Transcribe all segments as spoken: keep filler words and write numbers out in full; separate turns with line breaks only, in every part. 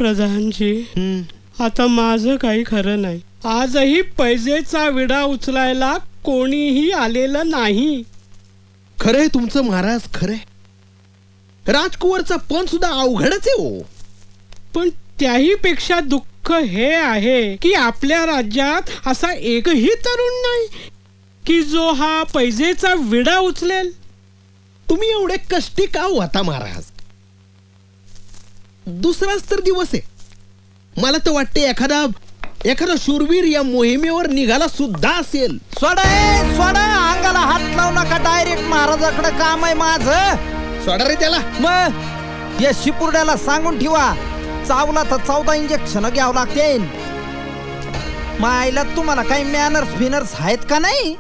प्रधानजी, आता माझं काही खरं नाही. आजही पैजेचा विडा उचलायला कोणीही आलेलं नाही.
खरंय तुमचं महाराज, खरंय. राजकुवरचा पण सुद्धा अवघडच आहे हो.
पण त्याही पेक्षा दुःख हे आहे की आपल्या राज्यात असा एकही तरुण नाही की जो हा पैजेचा विडा उचलेल.
तुम्ही एवढे कष्टी का होता महाराज? दुसराच तर दिवस आहे. मला तर वाटते एखादा एखादा शूरवीर या मोहिमेवर निघाला सुद्धा असेल.
सोडा ए, सोडा, अंगाला हात लावू नका. डायरेक्ट महाराजाकडे काम आहे माझं.
सोडा रे त्याला.
मग या शिपुर्ड्याला सांगून ठेवा, चावला तर चौदा इंजेक्शन घ्यावं लागते. मायला तुम्हाला काही मॅनर्स फिनर्स आहेत का नाही?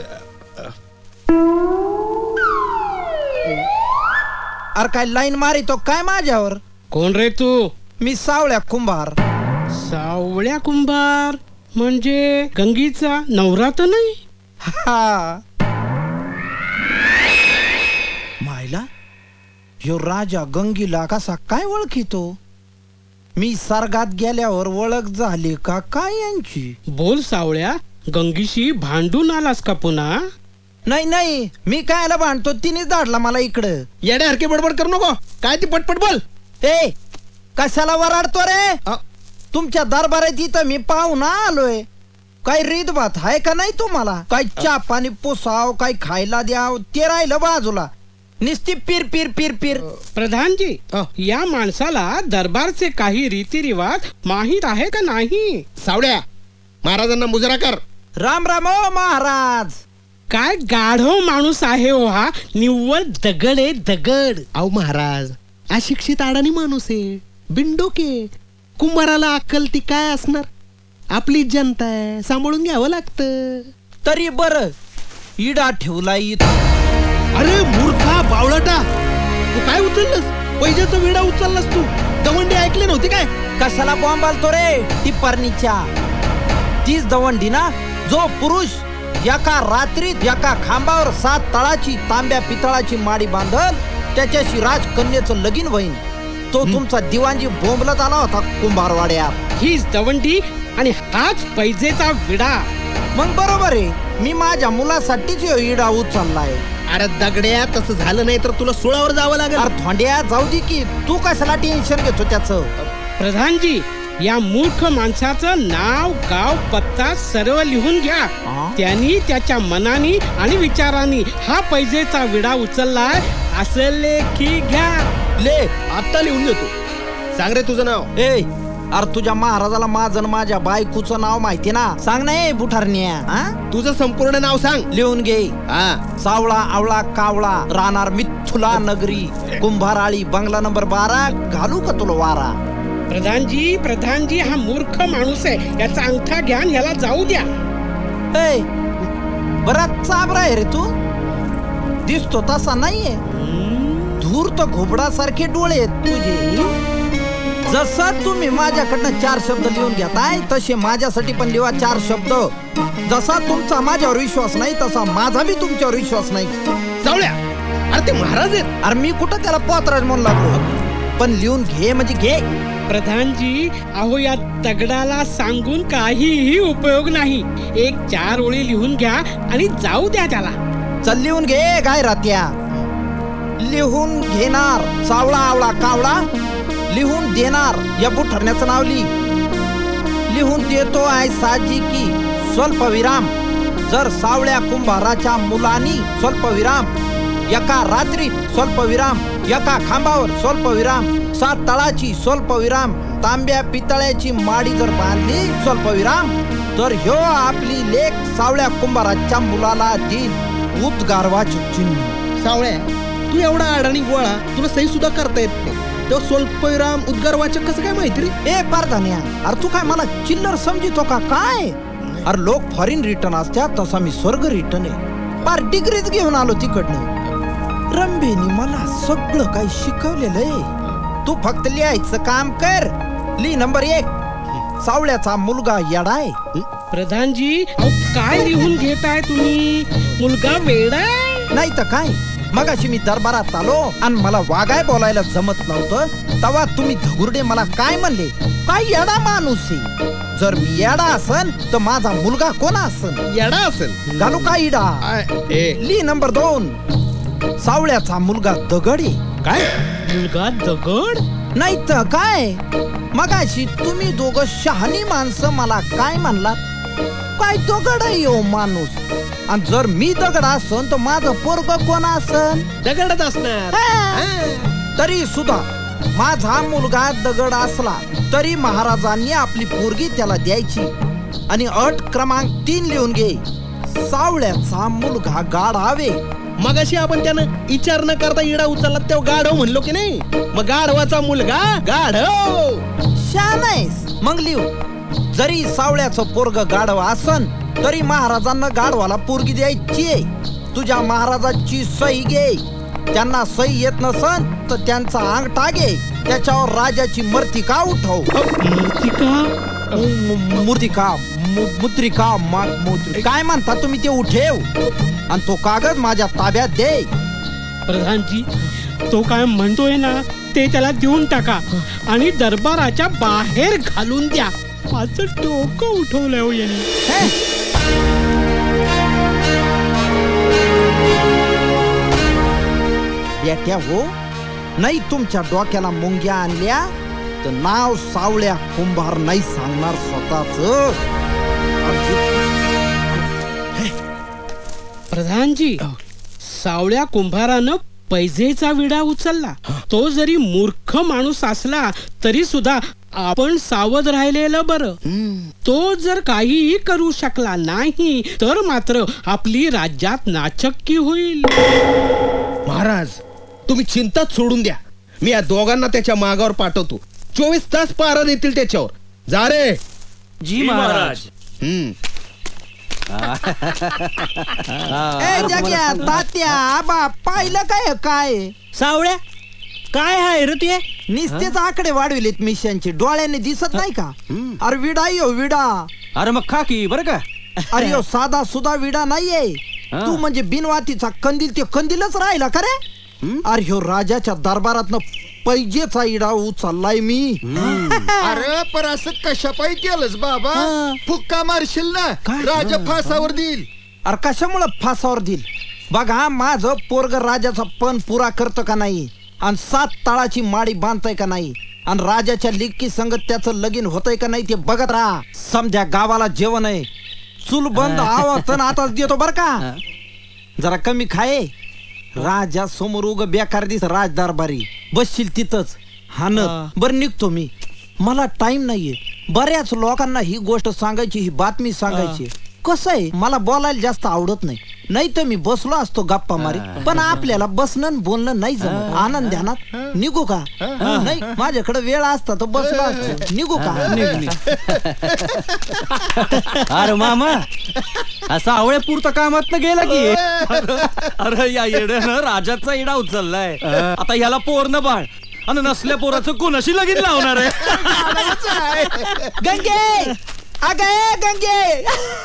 अरे काय लाईन मारितो काय माझ्यावर?
कोण रे तू?
मी सावळ्या कुंभार.
सावळ्या कुंभार म्हणजे गंगीचा नवरा तर नाही?
हा. मायला यो राजा गंगीला कसा काय ओळखितो? मी सर्गात गेल्यावर ओळख झाली का काय यांची?
बोल सावळ्या, गंगीशी भांडून आलास का पुन्हा?
नाही नाही, मी कायला भांडतो, तिनेच धाडला मला इकडं.
येड्यासारखे बडबड करू नको. काय ती पटपट बोल.
ए कशाला वराडतो रे? तुमच्या दरबारात इथं मी पाहुणा आलोय. काही रीत भात आहे का नाही तुम्हाला? काही चहा पाणी पोसाव, काही खायला द्याव, ते राहिलं बाजूला. निस्ती पीर पीर पीर पीर.
प्रधानजी, या माणसाला दरबारचे काही रीतिरिवाज माहित आहे का नाही?
सावड्या, महाराजांना मुजरा कर.
राम राम ओ महाराज.
काय गाढव माणूस आहे हो हा. निव्वळ दगड आहे, दगड.
अहो महाराज, अशिक्षित अडाणी माणूस आहे, बिंडोके. कुंभाराला अक्कल ती काय असणार? आपली जनता आहे, सांभाळून घ्यावं लागतं.
तरी बर इडा ठेवला इथं.
अरे मूर्खा बावळटा, तू काय उचललंस? पैजाचा विडा उचललास तू. दवंडी ऐकले नव्हते काय?
कशाला बॉम्ब आलतो रे टिप्परणीच्या? तीच दवंडी ना जो पुरुष एका रात्रीत एका खांबावर सात तळाची तांब्या पितळाची माडी बांधल त्याच्याशी राजकन्याचं लगीन होईन. तो तुमचा दिवाणजी बोंबलत आला होता कुंभारवाड्यात.
हीच दवंडी आणि हाच पैजेचा विडा.
मग बरोबर आहे, मी माझ्या मुलासाठीच ह्यो इडा उचललाय.
अरे दगड्या, तसं झालं नाही तर तुला सुळावर जावं लागेल.
अरे थोंड्या जाऊ दे की, तू कशाला टेन्शन घेतो त्याचं?
प्रधानजी, या मूर्ख माणसाचं नाव गाव पत्ता सर्व लिहून घ्या. त्यांनी त्याच्या मनानी आणि विचारांनी हा पैजेचा विडा उचललाय असं लेखी घ्या.
ले
आता लिहून देतो. सांग रे तुझं नाव.
ए अरे तुझ्या महाराजाला माझं माझ्या बायकोचं नाव माहिती ना? सांग ना ए बुठारण्या.
तुझं संपूर्ण नाव सांग.
लिहून घे.
हा.
सावळा आवळा कावळा राहणार मिथुला नगरी कुंभाराळी बंगला नंबर बारा. घालू का तुला वारा?
प्रधानजी, प्रधानजी, हा मूर्ख माणूस आहे, याचा अंगठा घ्या, याला जाऊ द्या.
ए बराच चाबरा आहे रे तू. दिसतो तसा नाहीये. धूर्त घोबडासारखे डोळे आहेत तुझे. जसं तुम्ही माझ्याकडनं चार शब्द लिहून घेताय तसे माझ्यासाठी पण लिहा चार शब्द. जसा तुमचा माझ्यावर विश्वास नाही तसा माझा बी तुमच्यावर विश्वास नाही.
सावळ्या, अरे ते महाराज आहेत.
अरे मी कुठं त्याला पोतराज म्हणून लागलो, पण लिहून घे म्हणजे घे.
प्रधानजी, अहो या दगडाला सांगून काहीही उपयोग नाही. एक चार ओळी लिहून घ्या आणि जाऊ द्या त्याला.
चल लिहून घे. काय रात्या लिहून घेणार. सावळा आवळा कावळा लिहून देणार. या बुठारण्याचं नाव लिही. लिहून देतो आहे साजी की स्वल्पविराम. जर सावळ्या कुंभाराच्या मुलांनी स्वल्पविराम एका रात्री स्वल्पविराम एका खांबावर स्वल्पविराम सात तळाची स्वल्पविराम तांब्या पितळ्याची माडी जर बांधली स्वल्पविराम तर ह्यो आपली लेख सावळ्या कुंभाराच्या मुलाला देईल उद्गारवाचक चिन्ह.
सावळ्या, तू एवढा अडाणी गोळा, तुला सही सुद्धा करता येत नाही. तो स्वल्पविराम उद्गारवाचक कसं काय माहिती रे?
ए पारधान्या, अरे तू काय मला चिल्लर समजितो का काय? अरे लोक फॉरेन रिटर्न असतात तसा मी स्वर्ग रिटर्न आहे. पार डिग्रीज घेऊन आलो तिकडनं. रंभेनी मला सगळं काही शिकवलेलं आहे. तू फक्त लिहायचं काम कर. लिह नंबर एक, सावळ्याचा मुलगा येडाय.
प्रधानजी, अहो काय लिहून घेताय तुम्ही? मुलगा वेडा आहे?
नाही तर काय, मगाशी मी दरबारात आलो आणि मला वागाय बोलायला जमत नव्हतं तेव्हा तुम्ही धगुर्डे मला काय म्हणले, काय येडा माणूस आहे. जर मी येडा असन तर माझा मुलगा कोण असन?
येडा असेल.
घालू का इडा?
आय, ए,
ली नंबर दोन, सावळ्याचा मुलगा दगड आहे.
काय
मुलगा दगड?
नाही तर काय, मगाशी तुम्ही दोघं शहाणी माणसं मला काय म्हणलात, काय दगड आहे यो माणूस. आणि जर मी दगड असन तर माझं पोरग कोण असन?
दगडच असणार.
हा. तरी सुद्धा माझा मुलगा दगड असला तरी महाराजांनी आपली पोरगी त्याला द्यायची. आणि अट क्रमांक तीन लिहून घे, सावळ्याचा मुलगा गाढावे.
मगाशी आपण त्यानं विचार न करता इडा उचलला तेव्हा गाढव म्हणलो की नाही, मग गाढवाचा मुलगा गाढव.
शान आहेस. मग लिहू, जरी सावळ्याचं पोरग गाढव असन तरी महाराजांना गाढवाला पोरगी द्यायची. तुझ्या महाराजाची सही घे. त्यांना सही येत नसन तर त्यांचा अंगठा घे, त्याच्यावर राजाची मर्तिका उठव.
मूर्तिका?
मु- मूर्तिका मु- मुद्रिका मा- मुद्रि- काय म्हणता तुम्ही ते उठेव आणि तो कागद माझ्या ताब्यात दे.
प्रधानजी, तो काय म्हणतोय ना ते त्याला देऊन टाका आणि दरबाराच्या बाहेर घालून द्या. माझं डोकं उठवलंय हो यांनी.
हे? बेट्या हो, नाही तुमच्या डोक्याला मुंग्या आणल्या तर नाव सावळ्या कुंभार नाही सांगणार स्वतःच.
प्रधानजी, सावळ्या कुंभारानं पैजेचा विडा उचलला. तो जरी मूर्ख माणूस असला तरी सुद्धा आपण सावध राहिलेलं बरं. तो जर काहीही करू शकला नाही तर मात्र आपली राज्यात नाचक्की होईल.
महाराज, तुम्ही चिंताच सोडून द्या. मी या दोघांना त्याच्या मागावर पाठवतो. चोवीस तास पारा देतील त्याच्यावर. जा रे.
जी महाराज.
हम्म.
ए जग्या, तात्या, आबा, पाहिलं काय काय?
सावळ्या, काय आहे रे ते?
निस्तेच आकडे वाढविलेत मिशांचे, डोळ्याने दिसत नाही का? अरे विडा यो विडा.
अरे मग खा की बरं का.
अरे यो साधा सुधा विडा नाहीये.
हा.
तू म्हणजे बिनवातीचा कंदील, ते कंदीलच राहिला का रे? अरे ह्यो राजाच्या दरबारातनं पैजेचा इडा उचललाय मी.
अरे पर असं कशा पायी केलंस बाबा? फुक्का मारशील ना, राजा फासावर देईल.
अरे कशामुळे फासावर देईल? बघा, माझं पोरग राजाचा पण पुरा करतं का नाही, आणि सात ताळाची माडी बांधताय का नाही, आणि राजाच्या लिक्की संगत त्याचं लगीन होतंय का नाही ते बघत राहा. समजा गावाला जेवण आहे, चूल बंद आवाज आताच देतो बर का. जरा कमी खाये. राजा समोर उग बेकार दिस राज दरबारी बसशील तिथंच हानत. बर निघतो मी, मला टाइम नाहीये. बऱ्याच लोकांना ही गोष्ट सांगायची, ही बातमी सांगायची. कसं आहे, मला बोलायला जास्त आवडत नाही. नाही तर मी बसलो असतो गप्पा मारी, पण आपल्याला बसणं आणि बोलणं नाही जमत. आनंद ध्यानात. निघू का? नाही, माझ्याकडे वेळ असता तर बसलो असतो. निघू का? निघ निघ.
अरे मामा, असा आवळ्या पुरता कामात गेला की. अरे या येड्यानं राजाचा इडा उचललाय. आता ह्याला पोर न बाळ, आणि नसल्या पोराचं कोणाशी लगीन लावणार आहे?
गंगे, अगे गंगे.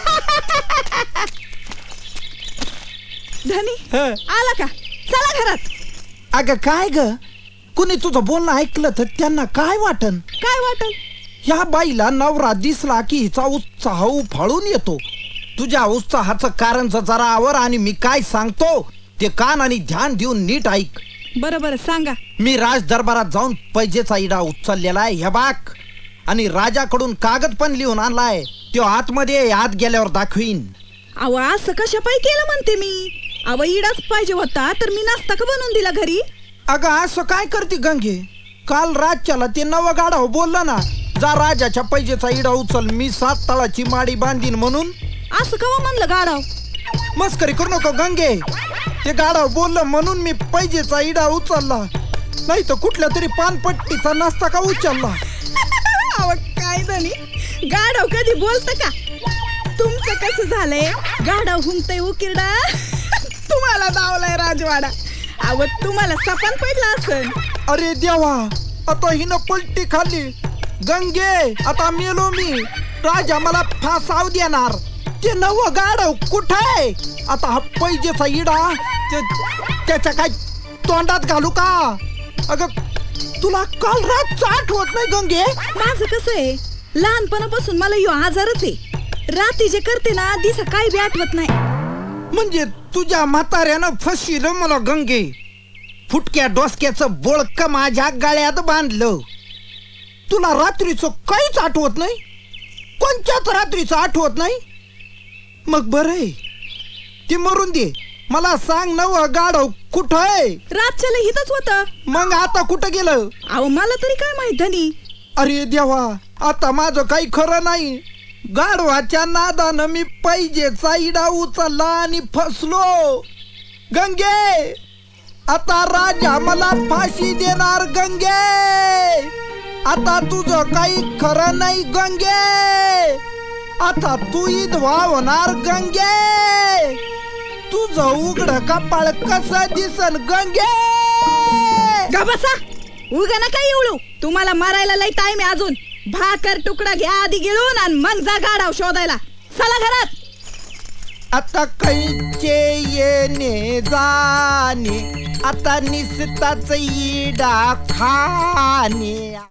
धनी आला का? चला घरात.
अगं काय ग, कुणी तुझं बोलणं ऐकलं तर त्यांना काय वाटन?
काय वाटल?
या बाईला नवरा दिसला की हिचा उत्साह उफाळून येतो. तुझ्या उत्साहाचं कारण जरा आवर, आणि मी काय सांगतो ते कान आणि ध्यान देऊन नीट ऐक.
बरं बरं सांगा.
मी राज दरबारात जाऊन पैजेचा इडा उचललेला आहे हे बाक, आणि राजाकडून कागद पण लिहून आणलाय. तो आतमध्ये आत गेल्यावर दाखवीन.
अहो असं कशा पायी केलं म्हणते मी? अव इडाच पाहिजे होता तर मी नाश्ता का बनवून दिला घरी?
अगं असं काय करते गंगे? काल राजच्याला ते नवं गाढव बोललं ना, जा राजाच्या पैजेचा इडा उचल, मी सात तळाची माडी बांधीन म्हणून.
असं कवा म्हणलं गाढव?
मस्करी करू नको गंगे. ते गाढव बोललं म्हणून मी पैजेचा इडा उचलला, नाही तर कुठल्या तरी पानपट्टीचा नाश्ता का उचलला.
अव काय धनी, गाढव कधी बोलत का? तुमचं कसं झालंय, गाढव हुंकतय उकिरडा, तुम्हाला दावलाय राजवाडा. अव तुम्हाला सपन पडला असेल.
अरे देवा, आता हिनं पलटी खाल्ली. गंगे, आता मेलो मी. राजा मला फासाव देणार. ते नव गाडव कुठे आता हा पैजेचा इडा ते- त्याच्या काय तोंडात घालू का अगं तुला काल रातचं आठवत नाही गंगे
माझं कसं आहे लहानपणापासून मला यो आजारच आहे रात्री जे करते ना दिसा काही बी आठवत नाही
म्हणजे तुझ्या म्हाताऱ्यानं फसविलं मला गंगे फुटक्या डोसक्याचं बोळक माझ्या गळ्यात बांधलं तुला रात्रीचं काहीच आठवत नाही कोणत्याच रात्रीचं आठवत नाही मग बरं ते मरून दे मला सांग नव गाडव कुठं आहे
रातच्याला हितच होतं
मग आता कुठं गेलं
अहो मला तरी काय माहित धनी
अरे देवा आता माझं काही खरं नाही गाढवाच्या नादानं मी पैजेचा इडा उचलला आणि फसलो गंगे आता राजा मला फाशी देणार गंगे आता तुझं काही खरं नाही गंगे आता तू इधवा होणार गंगे तुझं उघड कपाळ कसं दिसन गंगे
गा बसा उगा नका एवढू तुम्हाला मारायला लई टाइम आहे अजून भाकर तुकडा घ्या आधी गिळून आणि मग जा गाडाव शोधायला चला घरात
आता कैचे येणे जाणे आता निसताच इडा खाणे